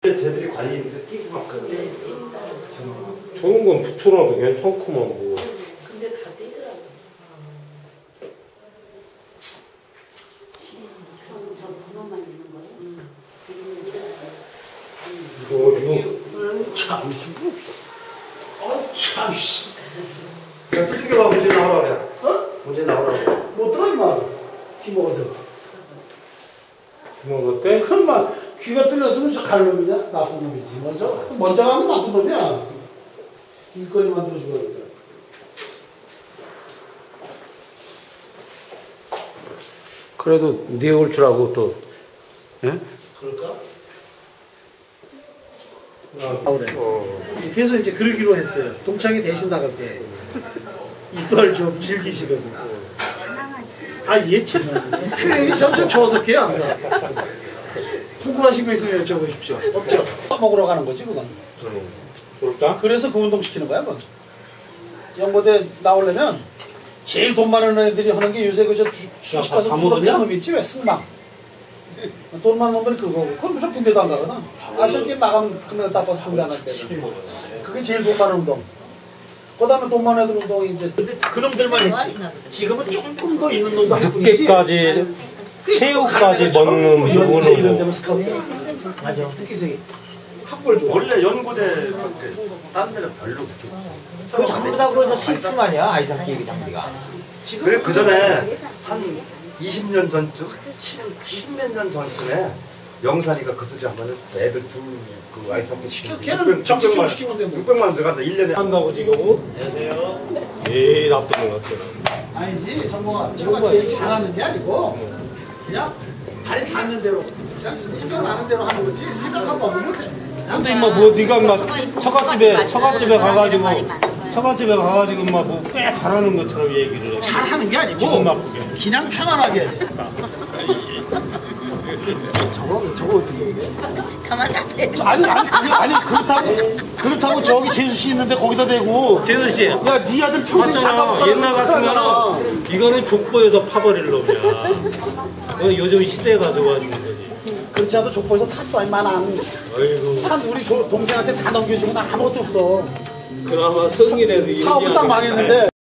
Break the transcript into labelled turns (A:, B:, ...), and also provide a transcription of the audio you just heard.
A: 쟤들이 관리니까 뛰고 막 그러네.
B: 저런 건 붙여놔도 괜찮구만 뭐.
C: 근데 다 뛰더라고.
D: 그럼 저 번호만 있는 거예요?
B: 이거
A: 참. 참. 야, 특히가 문제 나오라 그래. 문제 나오라 그래.
E: 못 들어 임마. 귀 먹어서.
B: 뭐 어때?
E: 그럼 막 귀가 뚫렸으면 저 갈놈이냐? 나쁜 놈이지. 먼저 가면 나쁜 놈이야. 일거리 만들어주고 그러니까.
F: 그래도 네 올 줄 알고 또, 예?
E: 그럴까? 그래. 그래서 이제 그러기로 했어요. 동창이 대신 나갈게. 이걸 좀 즐기시거든요. 아, 예, 죄송합니다. 표현이 점점 저속해요, 항상. 궁금하신 거 있으면 여쭤보십시오. 없죠? 먹으러 가는 거지, 그건.
B: 그럴까?
E: 그래서 그 운동 시키는 거야, 그건. 연고대 나오려면 제일 돈 많은 애들이 하는 게 요새 그저 주식 가서 주로 배는 놈 있지, 왜? 승막. 돈 많은 놈들이 그거고. 그럼 무조건 군대도 안 가거든. 아시안게임 나가면 그냥 딱 봐서 군대 안 갈 때는. 그게 제일 돈 많은 운동. 그 다음에 돈 많은 애들 운동이 이제 그놈들만 했지. 지금은 조금 더 있는 놈도 할 뿐이지.
B: 늦게까지 새우까지 먹는
E: 이런 이런
B: 부분은
E: 데면 스카우트. 맞아. 특기생이 학벌 좋아.
A: 원래 연고대 다른 데는 별로 그렇게.
G: 그 전부 다 그저 시스템 아니야 아이스하키 얘기 장비가.
A: 그래 그 전에 한 20년 전쯤, 10몇 년 전쯤에 영산이가 그 소리 하면은 애들 그 아이스하키 시켜.
E: 걔는 정식 시킨 건데 뭐.
A: 600만 원 들어간다 1년에.
B: 한다고 지금? 안녕하세요. 에이 나쁜 것 같아.
E: 아니지, 정모가 제가 제일 잘하는 게 아니고 그냥 발 닿는 대로 그냥 생각나는 대로 하는 거지 생각하고 없는 못해.
B: 근데 임마 뭐 네가 막 처갓집에 가가지고 막 뭐 꽤 잘하는 것처럼 얘기를 해.
E: 잘하는 게 아니고
B: 기분 나쁘게.
E: 그냥 편안하게. 저거 어떻게 얘기해?
C: 가만 놔둬.
E: 아니 그렇다고 저기 재수 씨 있는데 거기다 대고
B: 재수 씨.
E: 야 네 아들 평생
B: 맞잖아. 옛날 같으면은 이거는 족보에서 파버릴 놈이야. 요즘 시대가 좋아진 거지.
E: 그렇지 않아도 족보에서 탔어 이만한.
B: 아이고.
E: 산 우리 동생한테 다 넘겨주고 난 아무것도 없어.
B: 그나마 성인에도
E: 사업은 딱 망했는데.